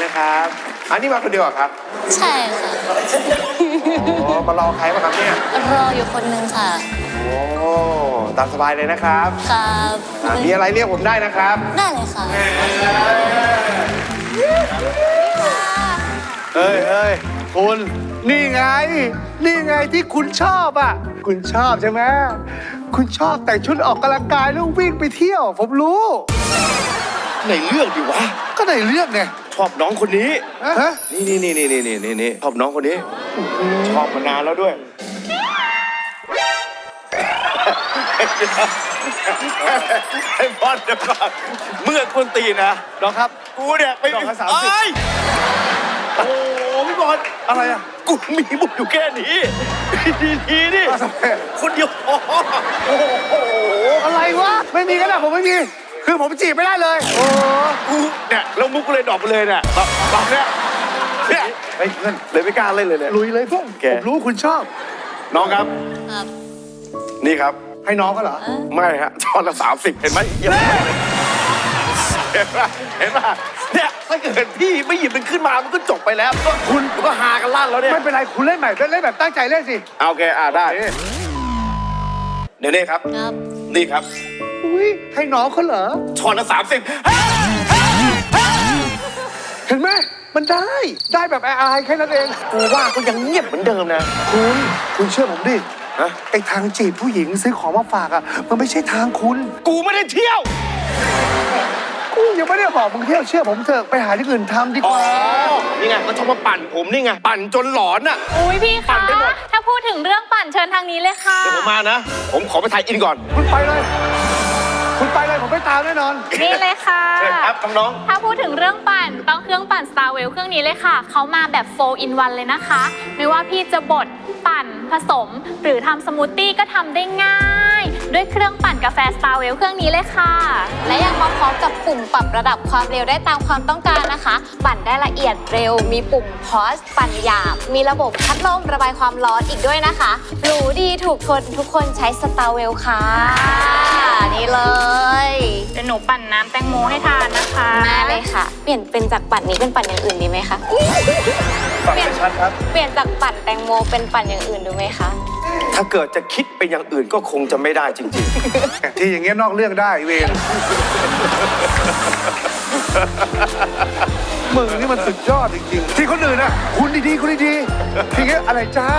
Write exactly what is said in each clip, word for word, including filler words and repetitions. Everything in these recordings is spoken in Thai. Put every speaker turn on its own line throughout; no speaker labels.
นะครับอันนี้มาคนเดียวครับ
ใช่ค่ะ
โอ้มารอใครมาครับเนี่ย
รออยู่คนนึงค่ะ
โอ้ตามสบายเลยนะครับ
ครับ
มีอะไรเรียกผมได้นะครับ
ได้เลยค่ะ
เฮ้ยเฮ้ยคุณนี่ไงนี่ไงที่คุณชอบอ่ะคุณชอบใช่ไหมคุณชอบแต่งชุดออกกำลังกายแล้ววิ่งไปเที่ยวผมรู้
ในเรื่องดิวะ
ก็ในเรื่องไง
ชอบน้องคนนี้
ฮะ
นี่นี่นี่นี่นี่นี่นี่ชอบน้องคนนี้ชอบมานานแล้วด้วยไอ้บอลเดี๋ยวก่อนเมื่อคนตีนะ
น้องครับ
กูเนี่ยไป
ดอกละสามสิบ
โอ้โหพี่บอล
อะไรอ่ะ
กูมีบุญอยู่แค่นี้ดีดีนี่คนเดียวพอโอ้โห
อะไรวะไม่มีกันนะผมไม่มีคือผมจีบไม่ได้เลยโอ้
กูเนี่ยแล้วมุกกูเลยดรอปไปเลยเนี่ยแบบแบบเนี้ยเนี่ยไอ้เพื่อนเลยไม่กล้าเล่นเลยเนี่ย
ลุยเลยพวกผมรู้คุณชอบ
น้องครับ
ครับ
นี่ครับ
ให้น้องเขาเหรอ
ไม่ฮะช้อนละสามสิบเห็นไหมเห็นป่ะเห็นป่ะเนี่ยถ้าเกิดพี่ไม่หยิบมันขึ้นมามันก็จบไปแล้วก็คุณก็หากันลั่นแล้วเนี่ย
ไม่เป็นไรคุณเล่นใหม่เล่นแบบตั้งใจเล่นสิ
โอเคอ่าได้เดี๋ยวนี้ครับ
ครับ
นี่ครับ
อุ้ยให้น้องเขาเหรอ
ช้อนละสามสิบ
เห็นไหมมันได้ได้แบบอายๆแค่นั้นเอง
กูว่าก็ยังเงียบเหมือนเดิมนะ
คุณคุณเชื่อผมดิไอ้ทางจีบผู้หญิงซื้อของมาฝากอ่ะมันไม่ใช่ทางคุณ
กูไม่ได้เที่ยว
กูยังไม่ได้บอกมึงเที่ยวเชื่อผมเถอะไปหาที่อื่นทำดีกว่า
นี่ไงก็ชอบมาปั่นผมนี่ไงปั่นจนหลอนอ่ะ
อุ้ยพี่คะถ้าพูดถึงเรื่องปั่นเชิญทางนี้เลยค่ะ
เดี๋ยวผมมานะผมขอไปถ่ายอินก่อน
คุณไปเลยคุณไปเลยผมไม่ตามแน่นอน
นี่เลยค่ะ
เชิญครับน้อง
ถ้าพูดถึงเรื่องปั่นต้องเครื่องปั่น Starwell เครื่องนี้เลยค่ะเขามาแบบ โฟร์ อิน วัน เลยนะคะไม่ว่าพี่จะบดปั่นผสมหรือทำสมูทตี้ก็ทำได้ง่ายด้วยเครื่องปั่นกาแฟ Starwell เครื่องนี้เลยค่ะ
และยังมาพร้อมกับปุ่มปรับระดับความเร็วได้ตามความต้องการนะคะปั่นได้ละเอียดเร็วมีปุ่มพอสปั่นหยาบมีระบบพัดลมระบายความร้อนอีกด้วยนะคะหรูดีถูกคนทุกคนใช้ Starwell ค่ะนี่เลย
เดี๋ยวหนูปั่นน้ำแตงโมให้ทานนะคะ
มาเลยค่ะเปลี่ยนเป็นจากปั่นนี้เป็นปั่นอย่างอื่นดีไหมคะ
ปั่นไม่ชัดครับ
เปลี่ยนจากปั่นแตงโมเป็นปั่นอย่างอื่นดูไหมคะ
ถ้าเกิดจะคิดเป็นอย่างอื่นก็คงจะไม่ได้จริง
ๆที่อย่างเงี้ยนอกเรื่องได้เวรมึงนี่มันสุดยอดจริงๆที่คนอื่นน่ะคุณดีๆคุณดีๆทีเงี้ยอะไรจ้า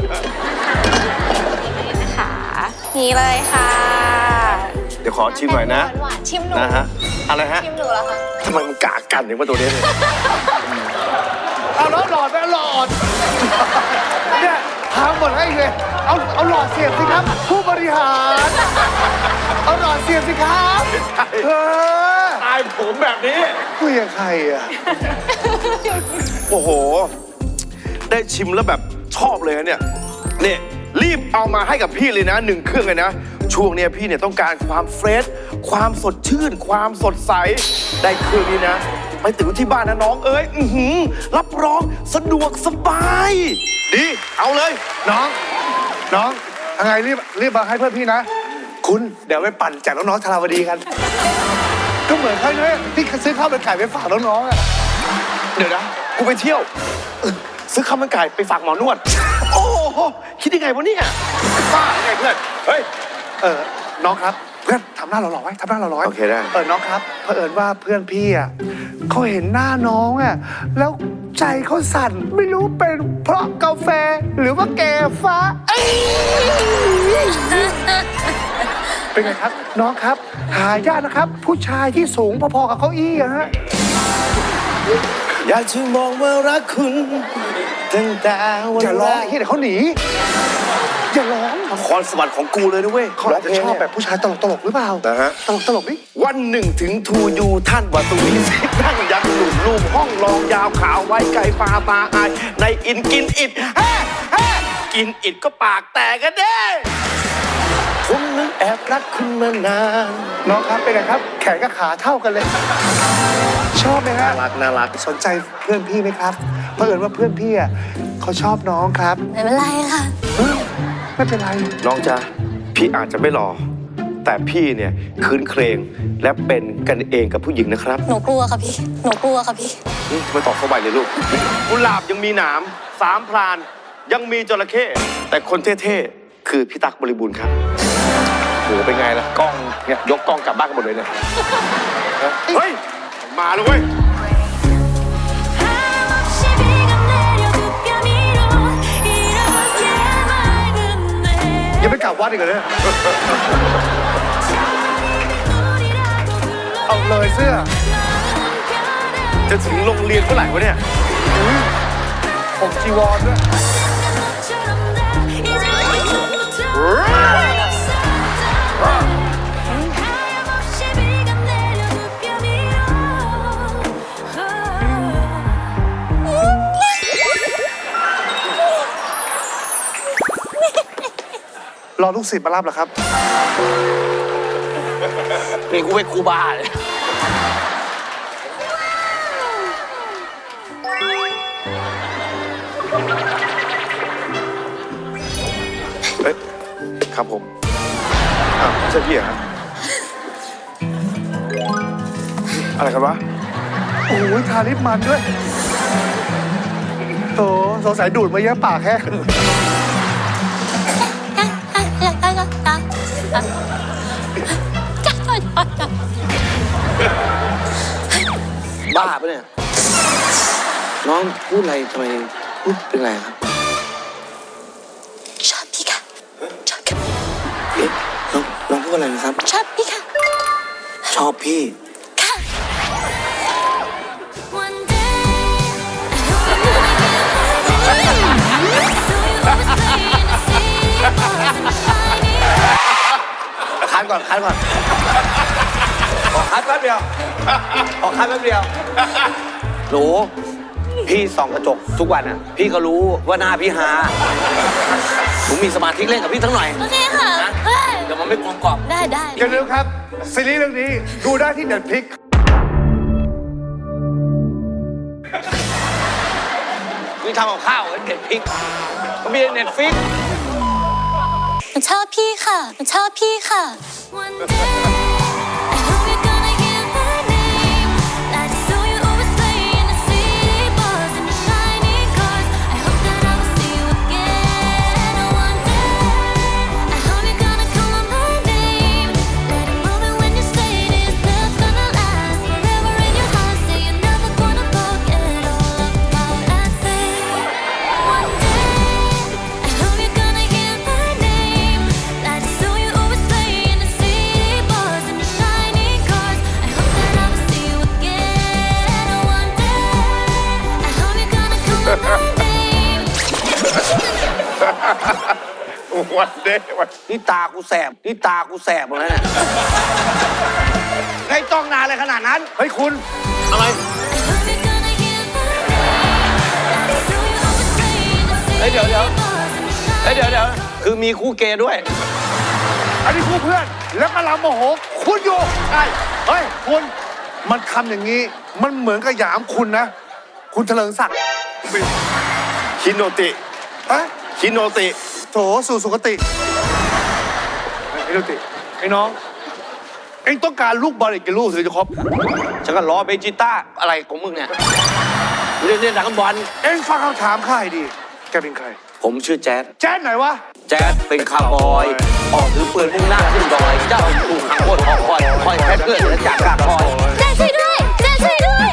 นะคะนี่เลยค่ะ
เดี๋ยวขอชิมหน่อยนะ
ชิมหนู
นะฮะอะไรฮะ
ชิมหนูแล้วค่ะ
ทำไมมันกากันอย่างว่าตัวนี้เนี่ย
เอาแล้วหลอดไปหลอดเนี่ยทางหมดให้เลยเอาเอาหลอดเสียบสิครับผู้บริหารเอาหลอดเสียบสิครับเออ
ตายผมแบบนี้
คุยกับใครอ่ะ
โอ้โหได้ชิมแล้วแบบชอบเลยเนี่ยเนี่ยรีบเอามาให้กับพี่เลยนะหนึ่งเครื่องเลยนะช่วงนี้พี่เนี่ยต้องการความเฟรชความสดชื่นความสดใสได้เครื่องนี้นะไปถึงที่บ้านนะน้องเอ้ยอือหือรับรองสะดวกสบายดีเอาเลย
น้องน้องยังไงรีบรีบมาให้เพื่อนพี่นะคุณเดี๋ยวไปปั่นแจกน้องๆธาราวดีกันก็เหมือนเขาเนี่ยที่ซื้อข้าวมันไก่ไปฝากน้องๆอ่ะ
เดี๋ยวนะกูไปเที่ยวซื้อข้าวมันไก่ไปฝากหมอนวดโอ้โหคิดยังไงวะเนี่ยบ้าไงเพื่อนเฮ้ย
เออน้องครับเพื่อนทำหน้าหล่อๆไว้ทำหน้าหล่อๆ
โอเคได้
เออน้องครับเผอิญว่าเพื่อนพี่อ่ะเขาเห็นหน้าน้องอ่ะแล้วใจเขาสั่นไม่รู้เป็นเพราะกาแฟหรือว่าแกฟ้าเป็นไงครับน้องครับหายากนะครับผู้ชายที่สูงพอๆกับเก้าอี้อะฮะ
อยากจะมองว่ารักคุณตั้งแต่วัน
อย่าร้องที่เดี๋ยวเขาหนีอย่าร้อง
คอนสวรรค์ของกูเลยนะเว้ย
เขาอาจจะชอบแบบผู้ชายตลกตลกหรือเปล่า
นะฮะ
ตลกตลกนี่
วันหนึ่งถึงทูยูท่านวัตุวิสิทธิ์นั่งยันหลุมลูมห้องรองยาวขาวไว้ไก่ปลาตาอายในอินกินอิดแฮ่แฮ่กินอิดก็ปากแตกกันเด้ผมนึกแอบรักคุณมานาน
น้องครับเป็นไงครับแขนกับขาเท่ากันเลยชอบไหมฮะ
น่ารักน่ารัก
สนใจเพื่อนพี่ไหมครับเผอิญว่าเพื่อนพี่อ่ะเขาชอบน้องครับ
ไม่เป็นไรค่ะ
ไม่เป็นไร
น้องจ๊ะพี่อาจจะไม่หล่อแต่พี่เนี่ยคืนเครงและเป็นกันเองกับผู้หญิงนะครับ
หนูกลัวค่ะพี่ หนูกลัวค่ะพี่
อืมทำไมตอบเข้าไปเลยลูกกุหลาบยังมีหนามสามพรานยังมีจระเข้แต่คนเท่ๆคือพี่ตั๊กบริบูรณ์ครับโหเป็นไงล่ะกล้องเนี่ยยกกล้องกลับบ้านกันหมดเลยเนี่ยเฮ้ยมาแล้วเว้ย
ยังไม่กลับวัดอีกเหรอเนี่ย เอาเลยเสื้อ
จะถึงโรงเรียนเมื่อไหร่วะเนี่ย
ผมจีวรด้วย รอลูกศิษย์มารับเหรอครับ
นี่กูเป็นครูบาเลย
เอ้ยครับผมอ้าวไม่ใช่พี่เหรอครับอะไรกันวะ
โอ้ยทาลิปมันด้วยโถสงสัยดูดมาเยอะปากแค่
บ้าปะเนี่ย น้องพูดอะไรทำไมพูดเป็นไรครับ
ชอบพี่ค่ะ ชอบค่ะ
เอ๊ะน้องน้องพูดอะไรนะครับ
ชอบพี่ค่ะ
ชอบพี่
ค่ะ
คัดก่อนคัดก่อนขอคัดแป๊บเดียวขอคัดแป๊บเดียวหนูพี่ส่องกระจกทุกวันอ่ะ พี่ก็รู้ว่าหน้าพี่หาหนูมีสมาธิเล่นกับพี่ทั้งหน่อย
โอเคค่ะ
นะ
เฮ้ย
เดี๋ยวมันไม่กลมกล่อม
ได้ได้
อย่าลืมครับ ซีรีส์เรื่องนี้ดูได้ที่เน็ตฟลิกซ์
นี่ทำกับข้าวเน็ตฟิกก็มีเน็ตฟิก
หนูชอบพี่ค่ะหนูชอบพี่ค่ะ
วันเด้วัน
นี่ตากูแสบ นี่ตากูแสบหมดแล้วเนี่ยไงจ้องนานเลยขนาดนั้น
เฮ้ยคุณ
อะไร เฮ้ยเดี๋ยวเดี๋ยวเฮ้ยเดี๋ยวเดี๋ยวคือมีคู่เกย์ด้วย
อันนี้คู่เพื่อน แล้วกำลังโมโห คุณอยู่ใช่เฮ้ย คุณ มันทำอย่างนี้ มันเหมือนกับหยามคุณนะ คุณเถลิงศักดิ์
คิโนติ
ฮะ
คิโนติ
โถสู่สุคติไอ้ดูติไอ้น้อง เอ็งต้องการลูกบอลอีกกี่ลูกถึงจะครบ
ฉันก็ล้อเบจิต้าอะไรของมึงเนี่ยเล่นเล่นดักบอล
เอ็งฟังคำถามข้าให้ดี แกเป็นใคร
ผมชื่อแจ๊ด
แจ๊ดไหนวะ
แจ๊ดเป็นคาร์บอย ออกถือปืนมุ่งหน้าขึ้นดอย เจ้าถูกขังบนหอคอย คอยแพทเพื่อนและจากกาคอย
เจ๊ช่วยด้วยเจ๊ช่วยด้วย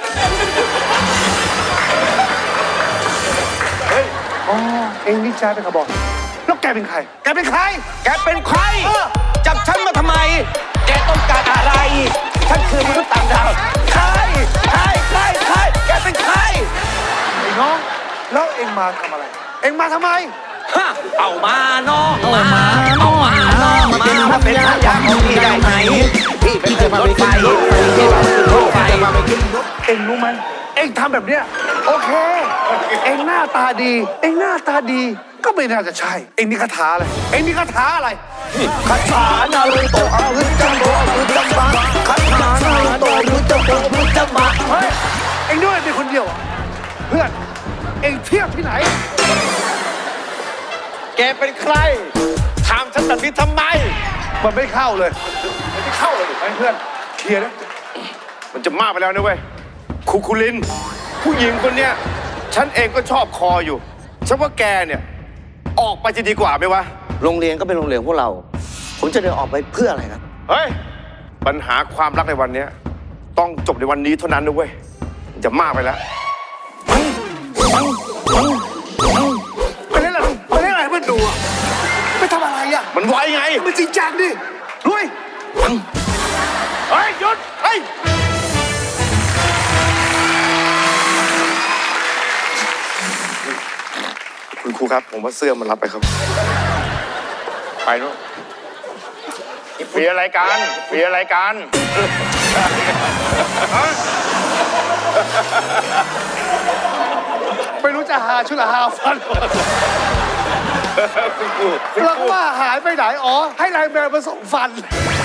อ๋อ เอ็งนี่แจ๊ดเป็นขบอยแล้วแกเป็นใคร แกเป็นใคร
แกเป็นใคร จับฉันมาทำไม แกต้องการอะไร ฉันคือมนุษย์ต่างดาว ใคร ใคร ใคร ใคร แกเป็นใคร
ไอ้น้อง แล้วเอ็งมาทำอะไร เอ็งมาทำไม
ฮะ เอามาน้องมาเอามาน้องมามาเป็นภรรยาของพี่ได้ไหม พี่เป็นคนรถไฟพี่เป็นคนรถไฟ
เอ็งรู้ไหมเอ็งทำแบบเนี้ยโอเค เอ็งหน้าตาดี เอ็งหน้าตาดี ก็ไม่น่าจะใช่ เอ็งนี่คาถาอะไร เอ็งนี่คาถาอะไร
คาถานารุโตะอาวุธจัมโบอาวุธจัมบะคาถานารุโตะอาวุธจัมโบอาวุธจัมบะ
เฮ้ย เอ็งด้วยเป็นคนเดียวเหรอเพื่อน เอ็งเทียบที่ไหน
แกเป็นใคร ถามฉันแบบนี้ทำไม
มันไม่เข้าเลยมันไม่เข้าเลยไอ้เพื่อนเคลียร์นะ
มันจะมากไปแล้วนะเว้ยครูคุลิน ผู้หญิงคนเนี้ยฉันเองก็ชอบคออยู่ฉันว่าแกเนี่ยออกไปจะดีกว่าไหมวะ
โรงเรียนก็เป็นโรงเรียนพวกเรา ผมจะเดินออกไปเพื่ออะไรครับ
เฮ้ย ปัญหาความรักในวันเนี้ยต้องจบในวันนี้เท่านั้นนะเว้ยมันจะมากไปแล้ว
ไปเล่นอะไรไปเล่นอะไรให้มันดูอ่ะไปทำอะไรอ่ะ
มันไวไง
มันจริงจังดิลุย
เฮ้ยหยุดเฮ้ยคุณครูครับ ผมว่าเสื้อมันรับไปครับ
ไปนู่นมีอะไรกันมีอะไรกัน
ไม่รู้จะหาชุดละหาฟัน
คุณครู
เราก็ว่าหายไปไหนอ๋อให้ไลน์แมนมาส่งฟัน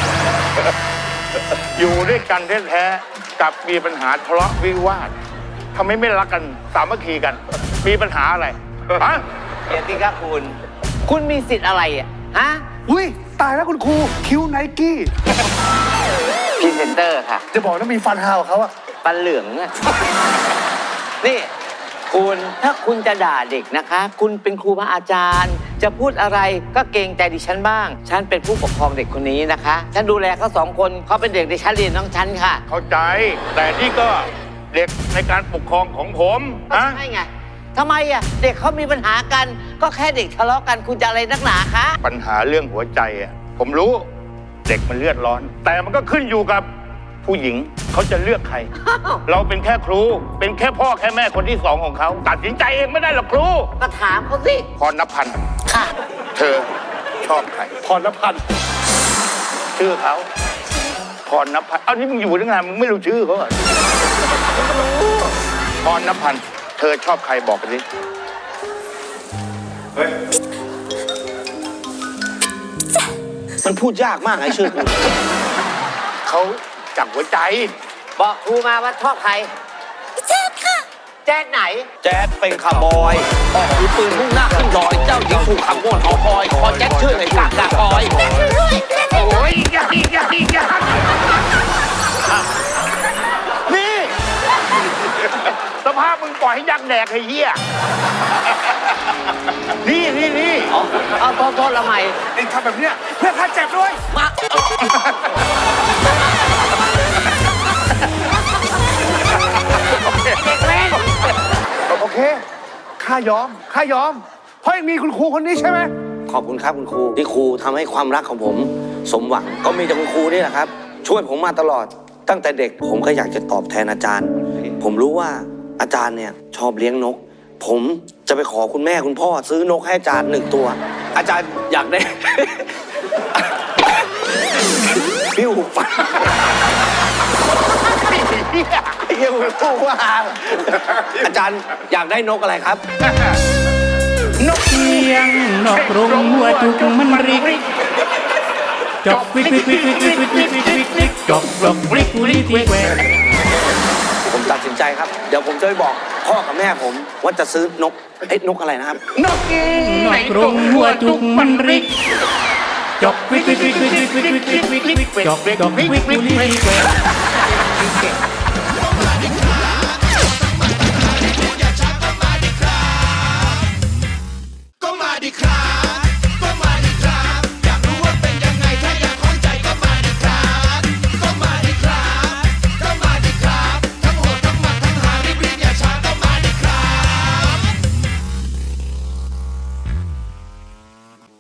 อยู่ด้วยกันแท้ๆกับมีปัญหาทะเลาะวิวาททำไมไม่รักกันสามัคคีกัน มีปัญหาอะไรฮะ
เกียรติครับคุณ คุณมีสิทธิ์อะไรอ่ะ ฮะ
อุ้ยตายแล้วคุณครูคิ้วไนกี้
พรีเซนเตอร์ค่ะ
จะบอกว่ามีฟันฮาวเขาอะ
ปันเหลืองอะ นี่ คุณถ้าคุณจะด่าเด็กนะคะ คุณเป็นครูบาอาจารย์ จะพูดอะไรก็เกรงใจดิฉันบ้าง ฉันเป็นผู้ปกครองเด็กคนนี้นะคะ ฉันดูแลเขาสองคนเขาเป็นเด็กในชั้นเรียนน้องฉันค่ะ
เข้าใจ แต่นี่ก็เด็กในการปกครองของผม
ก็
ฮะ
ใช่ไงทำไมอ่ะ เด็กเขามีปัญหากัน ก็แค่เด็กทะเลาะกันคุณจะอะไรนักหนาคะ
ปัญหาเรื่องหัวใจอ่ะผมรู้เด็กมันเลือดร้อน แต่มันก็ขึ้นอยู่กับผู้หญิงเขาจะเลือกใคร เราเป็นแค่ครู เป็นแค่พ่อแค่แม่คนที่สองของเขาตัดสินใจเองไม่ได้หรอกครู
ก็ถามเขาสิ
พรณพันธ์
ค่ะ
เธอชอบใคร
พรณพันธ์
ชื่อเขาพรณพันธ์เอ้านี่มึงอยู่ตั้งนานมึงไม่รู้ชื่อเขาเหรอพรณพันธ์เธอชอบใครบอกกันดิ
มันพูดยากมากไอ้ชื่อคุณ
เขาจากหัวใจ
บอกครูมาว่าชอบใคร แจ๊ดค่ะ แจ๊ดไหน
แจ๊ดเป็นคาร์บอย ออกถือปืนมุ่งหน้าขึ้นดอย เจ้าหญิงถูกขังบนหอคอย คอแจ๊ดชื่อในกากกากอย
โอ้ยยากยากยากนี่สภาพมึงปล่อยให้ยักษ์แดกไอ้เหี้ยนี่นี่นี่
เอาเอาโทษโทษละใหม่
ไอ้ทำแบบเนี้ยเพื่อข้าเจ็บด้วย
มา เด็กแม่ง
โอเคข้ายอมข้ายอม เพราะยังมีคุณครูคนนี้ใช่ไหม
ขอบคุณครับคุณครูที่ครูทำให้ความรักของผม สมหวังก็มีแต่คุณครูนี่แหละครับ ช่วยผมมาตลอด ตั้งแต่เด็กผมก็อยากจะตอบแทนอาจารย์ ผมรู้ว่าอาจารย์เนี่ยชอบเลี้ยงนก ผมจะไปขอคุณแม่คุณพ่อซื้อนกให้อาจารย์หนึ่งตัว อาจารย์อยากได้ พิ้วฟันเยี่ยมพูดว่าอาจารย์อยากได้นกอะไรครับ
เสียงนอกกรงหัวจุกมันริกจอกวิกวิกวิกวิกวิกวิกวิกวิกวิกวิกจอกจอกวิกวิกวิกแหวก
ผมตัดสินใจครับ เดี๋ยวผมจะไปบอกพ่อกับแม่ผมว่าจะซื้อนกเอ้ยนกอะไรนะครับ
นอกกรงหัวจุกมันริกจอกวิกวิกวิกวิกวิกวิกวิกวิกวิกจอกจอกวิกวิกวิกแหวก